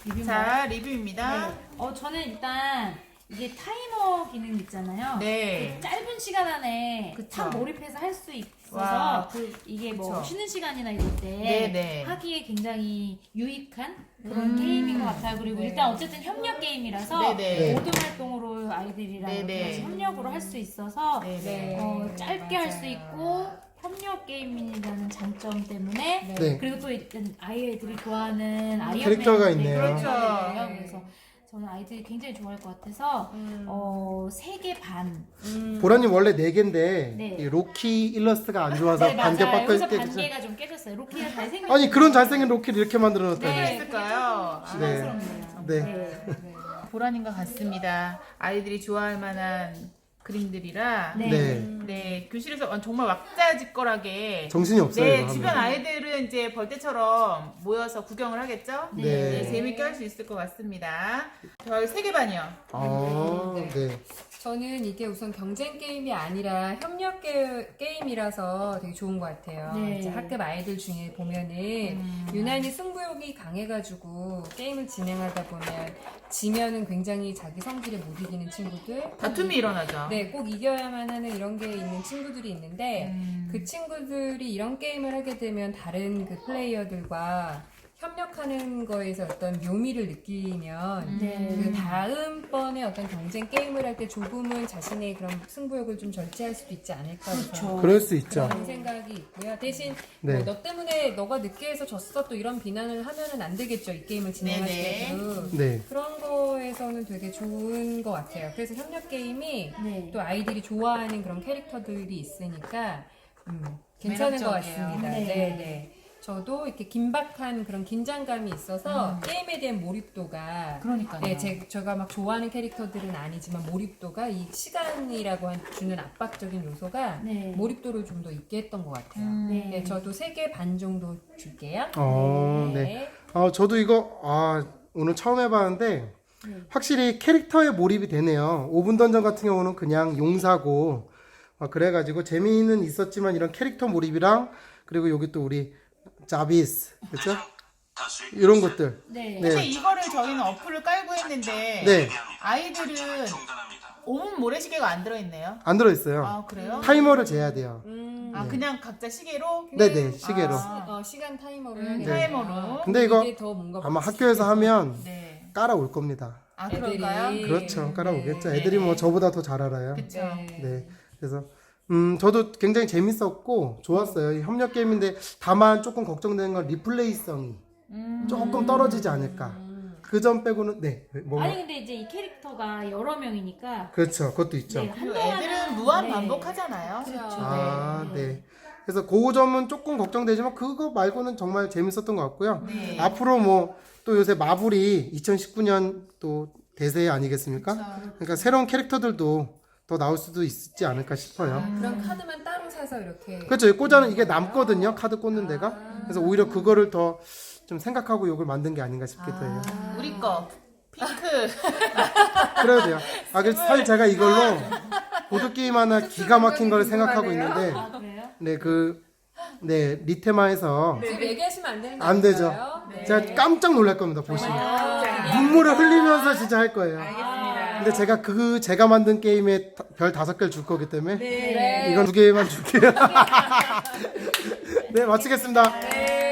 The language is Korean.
자, 리뷰입니다. 저는 일단 이게 타이머 기능 있잖아요. 네. 그 짧은 시간 안에 그쵸. 참 몰입해서 할 수 있어서 와, 이게 뭐 그쵸. 쉬는 시간이나 이럴 때 네네. 하기에 굉장히 유익한 그런 게임인 것 같아요. 그리고 일단 어쨌든 협력 게임이라서 네네. 모든 활동으로 아이들이랑 네네. 같이 협력으로 할 수 있어서 네네. 짧게 할 수 있고 협력 게임이라는 장점 때문에 네. 그리고 또 일단 아이들이 좋아하는 아이언맨 캐릭터가 있네요. 그렇죠. 그래서 저는 아이들이 굉장히 좋아할 것 같아서 3개 반. 보라님 원래 4개인데 네. 이 로키 일러스트가 안 좋아서 네, 반개 맞아요. 여기서 꺾여 반개가 좀 깨졌어요. 로키가 잘생긴. 아니 그런 잘생긴 로키를 이렇게 만들어 놨다니. 네, 했을까요? 네. 실망스럽네요. 네. 보라님과 같습니다. 아이들이 좋아할 만한 그림들이라 네. 네. 네, 교실에서 정말 왁자지껄하게 정신이 없어요. 네, 이거 주변 하면. 아이들은 이제 벌떼처럼 모여서 구경을 하겠죠? 네. 네, 재밌게 할 수 있을 것 같습니다. 별 3개 반이요. 아, 네. 저는 이게 우선 경쟁 게임이 아니라 협력 게임이라서 되게 좋은 것 같아요. 네. 이제 학급 아이들 중에 보면은 유난히 승부욕이 강해가지고 게임을 진행하다 보면 지면은 굉장히 자기 성질에 못 이기는 친구들. 다툼이 일어나죠. 네, 꼭 이겨야만 하는 이런 게 있는 친구들이 있는데 그 친구들이 이런 게임을 하게 되면 다른 그 플레이어들과 협력하는 거에서 어떤 묘미를 느끼면 네. 그 다음번에 어떤 경쟁 게임을 할 때 조금은 자신의 그런 승부욕을 좀 절제할 수도 있지 않을까 그렇죠. 그럴 수 있죠. 그런 생각이 있고요. 대신 네. 뭐 너 때문에 너가 늦게 해서 졌어 또 이런 비난을 하면은 안 되겠죠. 이 게임을 진행할 네네. 때도 네. 그런 거에서는 되게 좋은 것 같아요. 그래서 협력 게임이 네. 또 아이들이 좋아하는 그런 캐릭터들이 있으니까 괜찮은 것 매력적이에요. 같습니다. 네. 네. 저도 이렇게 긴박한 그런 긴장감이 있어서 게임에 대한 몰입도가 그러니까요. 네, 제가 막 좋아하는 캐릭터들은 아니지만 몰입도가 이 시간이라고 주는 압박적인 요소가 네. 몰입도를 좀 더 있게 했던 것 같아요. 네. 네, 저도 3개 반 정도 줄게요. 네. 저도 이거 오늘 처음 해봤는데 확실히 캐릭터에 몰입이 되네요. 5분 던전 같은 경우는 그냥 용사고 그래가지고 재미는 있었지만 이런 캐릭터 몰입이랑 그리고 여기 또 우리 자비스 그렇죠? 이런 것들. 네. 근데 이거를 저희는 어플을 깔고 했는데 네. 아이들은 5분 모래시계가 안 들어있네요. 안 들어있어요. 아, 그래요? 타이머를 재야 돼요. 아, 그냥 각자 시계로? 네네 시계로. 시간 타이머로 해야겠네요. 타이머로. 근데 이거 이게 더 뭔가 아마 멋있게 학교에서 하면 네. 깔아올 겁니다. 아, 애들이. 그럴까요? 그렇죠. 깔아오겠죠. 네. 애들이 뭐 저보다 더 잘 알아요. 그쵸. 네. 그래서 저도 굉장히 재밌었고 좋았어요. 이 협력 게임인데 다만 조금 걱정되는 건 리플레이성이 조금 떨어지지 않을까. 그 점 빼고는 아니 근데 이제 이 캐릭터가 여러 명이니까 그렇죠. 그것도 있죠. 네, 그리고 한동안은- 애들은 무한 네. 반복하잖아요. 아, 네. 그래서 그 점은 조금 걱정되지만 그거 말고는 정말 재밌었던 것 같고요. 네. 앞으로 뭐 또 요새 마블이 2019년 또 대세 아니겠습니까? 그러니까 새로운 캐릭터들도 더 나올 수도 있지 않을까 싶어요. 그런 카드만 따로 사서 이렇게 그렇죠. 꽂아는 이게 남거든요. 카드 꽂는 데가. 그래서 오히려 그거를 더 좀 생각하고 이걸 만든 게 아닌가 싶기도 해요. 우리 거 핑크. 그래야 돼요. 그래서 사실 제가 이걸로 보드게임 하나 기가 막힌 걸 생각하고 있는데, 아 그래요? 리테마에서 지금 얘기하시면 안 되는 거 안 되죠. 아닌가요? 네. 제가 깜짝 놀랄 겁니다, 보시면. 눈물을 흘리면서 진짜 할 거예요. 근데 제가 만든 게임에 별 5개를 줄 거기 때문에, 네. 이건 2개만 줄게요. 네, 마치겠습니다. 네.